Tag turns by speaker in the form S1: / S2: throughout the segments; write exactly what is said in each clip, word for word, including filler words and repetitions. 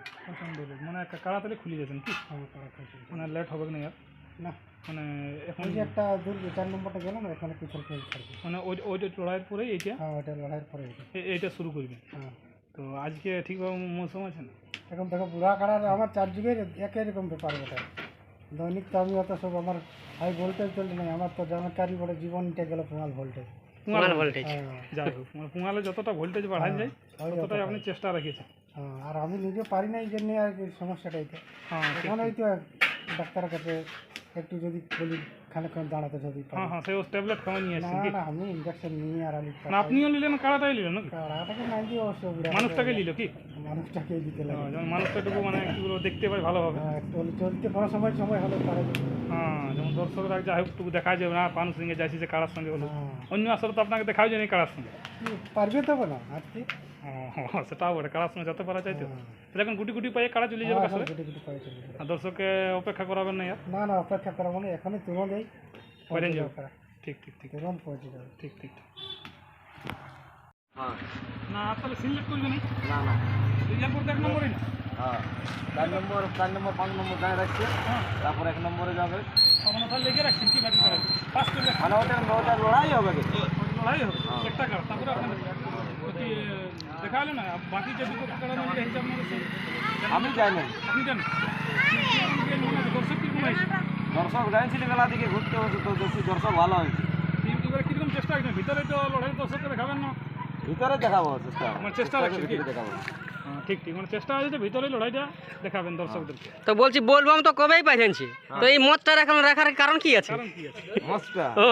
S1: প্রচণ্ড রোদ মানে তাড়াতাড়ি খুলে যাচ্ছেন কি মানে লেট হবে না আর
S2: না
S1: মানে এখন
S2: যে একটা দূর চার নম্বরটা গেল না এখানে পিছন ফেল থাকবে
S1: মানে ওই ওইটা লড়াইয়ের পরে এইটা
S2: হ্যাঁ ওইটা লড়াইয়ের পরে
S1: এইটা শুরু করবে।
S2: হ্যাঁ
S1: তো আজকে ঠিকভাবে মৌসুম আছে না
S2: এখন দেখো বুড়া কাড়ার আমার চার যুগের একই রকম ব্যাপার ওটা দৈনিক তো আমি অত সব আমার হাই ভোল্টেজ চলছে না আমার তো জানকারি বলে জীবনটা গেল পুঙাল ভোল্টেজ
S1: পুঙাল ভোল্টেজ যাই হোক মানে পুঙালে যতটা ভোল্টেজ বাড়ানো যায় ততটাই আপনি চেষ্টা রেখেছেন।
S2: হ্যাঁ আর আমি নিজে পারি না এই জন্য আর কি সমস্যাটা এটা
S1: হ্যাঁ
S2: এখন ওই তো ডাক্তারের কাছে একটু যদি বলি খানিকক্ষণ দাঁড়াতে যদি
S1: হ্যাঁ হ্যাঁ সেই ট্যাবলেট খাওয়া নিয়ে আসছেন কি
S2: না আমি ইঞ্জেকশন নিয়ে আর আমি
S1: না আপনিও নিলেন কাড়াটাই নিলেন নাকি
S2: কাড়াটাকে নাই দিয়ে অবশ্য বুড়া
S1: মানুষটাকে নিল কি
S2: মানুষটাকে দিতে লাগে
S1: যেমন মানুষটাটুকু মানে কি বলবো দেখতে পাই ভালোভাবে
S2: চলতে কোনো সময় সময় হলো তারা
S1: হ্যাঁ যেমন দর্শকরা যাই হোক টুকু দেখা যাবে না পানুর সঙ্গে যাইছি যে কারার সঙ্গে হলো অন্য আসলে তো আপনাকে দেখাও যায়নি কারার সঙ্গে
S2: পারবে তো না আজকে
S1: হ্যাঁ সেটাও বটে কারার সঙ্গে যেতে পারা যায় তো এখন গুটি গুটি পায়ে কারা চলে যাবে আসলে আর দর্শককে অপেক্ষা করাবেন না
S2: না না অপেক্ষা করা মানে এখনই তুলো দেয়
S1: পরে যাও ঠিক ঠিক ঠিক
S2: তুরন্ত পৌঁছে যাবে
S1: ঠিক ঠিক ঠিক
S3: হ্যাঁ
S1: না আসলে সিলেক্ট করবে না
S3: না না
S1: সিলেক্ট এক নম্বরই না
S3: হ্যাঁ চার নম্বর চার নম্বর পাঁচ নম্বর গায়ে রাখছে
S1: হ্যাঁ
S3: তারপর এক নম্বরে যাবে
S1: তখন ওটা লেগে রাখছেন কি বাকি করার পাস করলে
S3: মানে ওটা ওটা লড়াই হবে কিন্তু
S1: লড়াই হবে একটা কার তারপরে আপনার কি দেখা হলো না বাকি যে দুটো কারা মিলে হিসাব মতো
S3: আমি যাই না
S1: আপনি জানেন দর্শক কিরকম হয়েছে
S3: দর্শক যাইছিল বেলা দিকে ঘুরতে হচ্ছে তো বেশি দর্শক ভালো হয়েছে
S1: এবারে কিরকম চেষ্টা হয়েছে ভিতরে তো লড়াই দর্শককে দেখাবেন না
S3: ভিতরে দেখাবো চেষ্টা
S1: মানে চেষ্টা রাখছেন কি
S3: দেখাবো
S1: ঠিক ঠিক মানে চেষ্টা হয়েছে ভিতরে লড়াইটা দেখাবেন দর্শকদেরকে
S4: তো বলছি বলবাম তো কবেই পাইছেনছি তো এই মতটা এখন রাখার কারণ কি আছে
S1: কারণ কি আছে
S3: মস্তা
S4: ও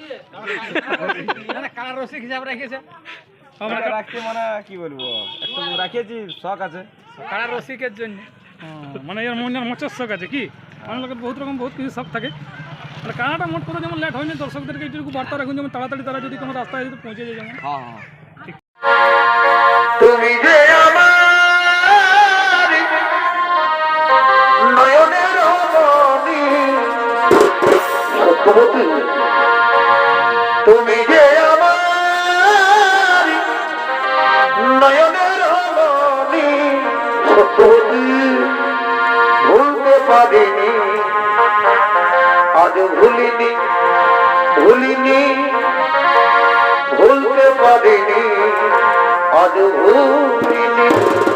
S1: কালার রসিক হিসাব রেখেছে
S3: আমরা রাখতে মানে কি বলবো একটু রাখিয়েছি শখ আছে
S1: কালার রসিকের জন্য মানে এর মনের মচের শখ আছে কি আমার লোকের বহুত রকম বহুত কিছু শখ থাকে মানে কানাটা মোট করে যেমন লেট হয়নি দর্শকদেরকে এইটুকু বার্তা রাখুন যেমন তাড়াতাড়ি তারা যদি কোনো রাস্তায় যদি পৌঁছে যায় যেমন
S3: হ্যাঁ হ্যাঁ
S5: তুমি যে আমার নয়নের মণি সত্যবতী তুমি যে আমার নয়নের মণি সত্যবতী ভুলতে পারিনি আজ ভুলিনি ভুলিনি ভুলতে পারিনি আজ ভুলিনি